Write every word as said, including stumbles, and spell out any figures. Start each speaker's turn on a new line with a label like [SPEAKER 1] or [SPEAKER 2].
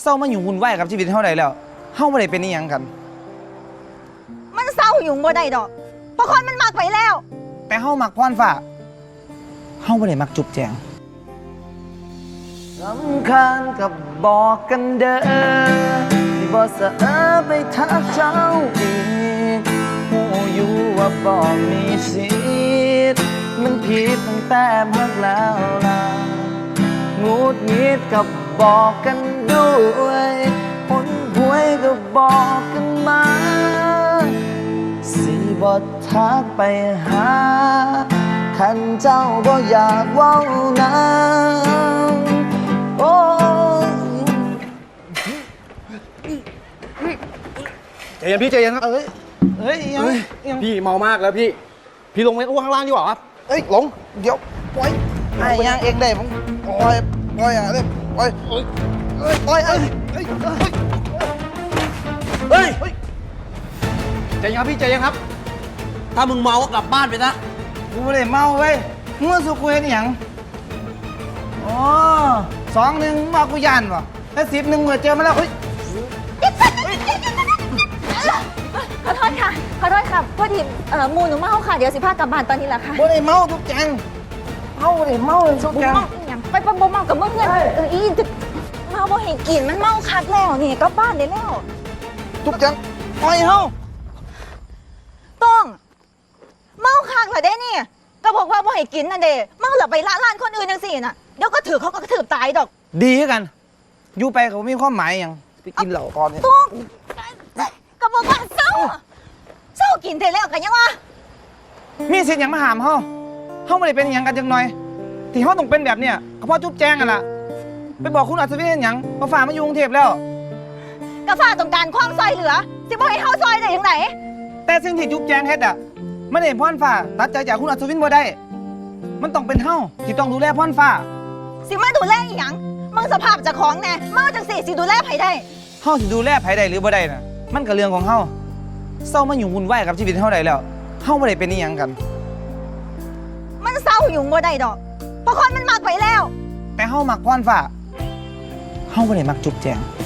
[SPEAKER 1] เศร้ามาอยู่วุ่นวายกับชีวิตเฮาได้แล้วเฮาบ่ได้เป็นอีหยังกัน
[SPEAKER 2] มันเศร้าอยู่บ่ได้ดอกเพราะคนมันมากไปแล้ว
[SPEAKER 1] แต่เฮามักพรฟ้าเฮาบ่ได้มักจุบแจงสำคัญกับบอกกันเด้อที่บ่สะเออไปทักเจ้าอีกหูอยู่ว่าบ่มีสิทธิ์มันผิดตั้งแต่พักแล้วล่ะงูดงิดกับบอกกันด้วยผลหวยก็บอกกันมาสิบ่ทักไปหาคันเจ้าบ่อยากเว้านะโอ้
[SPEAKER 3] ใจเย็นพี่ใจเย็นครับเอ้ย
[SPEAKER 1] เอ้ยยังยัง
[SPEAKER 3] พี่เมามากแล้วพี่พี่ลงไปอ้วกข้างล่างดีกว่าครับเอ้ยหลงเดี๋ยวปล่อย
[SPEAKER 1] ไอ้ยังเองได้ผมปล่อยปล่อยอะไรปล่อยเอ้ยปล่อยเอ้ยเอ้ย
[SPEAKER 3] เฮ้ยใจเย็นครับพี่ใจเย็นครับถ้ามึงเมาก็กลับบ้านไปนะ
[SPEAKER 1] กูไม่ได้เมาเว้ยมึงมาสู่กูเห็นหยังอ๋อสองหนึ่งมากูยันวะแล้วสิบหนึ่งเมื่อเจอมาแล้วเฮ้ย
[SPEAKER 2] ขอโทษค่ะขอโทษค่ะพอดีเอ่อมูหนูเมาค่ะเดี๋ยวสิพากลับบ้านตอนนี้แหละค่ะ
[SPEAKER 1] บ่ได้เมาทุกแจงเมาบ่ได้เมาเลยทุกแจง
[SPEAKER 2] ไปปะบ่เมากับมึงเงินเอออีเมาบ่ให้กินมันเมาคักแล้วนี่กลับบ้านได้แล้ว
[SPEAKER 1] ทุกแจงปล่อยเฮา
[SPEAKER 2] ต้องเมาคักเหรอเด้นี่ก็บอกว่าบ่ให้กินนั่นเด้เมาเหรอไปละลานคนอื่นจังสี่น่ะเดี๋ยวก็ถือเขาก็ถือตายดอก
[SPEAKER 1] ดีกันอยู่ไปเขามีความหมายอย่างไปกินเหล้าก่อนเนี่ย
[SPEAKER 2] ต้องก็บอกว่าเศร้าเศร้ากินได้แล้วกันยังวะ
[SPEAKER 1] มีสิทธิ์อย่างมาหามเฮาเฮาไม่ได้เป็นอย่างกันจังหน่อยที่เฮาต้องเป็นแบบเนี้ยก็เพราะจุ๊บแจงกันล่ะไปบอกคุณอัศวินอย่างมาฝ่ามาอยู่กรุงเทพแล้ว
[SPEAKER 2] กาฟ้าต้องการความซอยเหลือสิบ่ให้เฮาซอยได้ยังไง
[SPEAKER 1] แต่สิ่งที่จุ๊บแจงเฮ็ดอ่ะมันเห็นพรฟ้าตัดใจจากคุณอัศวินบ่ได้มันต้องเป็นเฮาที่ต้องดูแลพรฟ้า
[SPEAKER 2] สิมาดูแลอีหยังมึงสภาพเจ้าของแน่เมาจังสี่สิดูแลไผได้
[SPEAKER 1] เฮาสิดูแลไผได้หรือบ่ได้น่ะมันก็เรื่องของเฮาเศร้ามาอยู่วุ่นวายกับชีวิตเฮาได้แล้วเฮาบ่ได้เป็นอีหยังกัน
[SPEAKER 2] มันเศร้าอยู่บ่ได้ดอกเพราะคนมันมากไปแล้ว
[SPEAKER 1] แต่เฮามักพรฟ้าเฮาบ่ได้มักจุ๊บแจง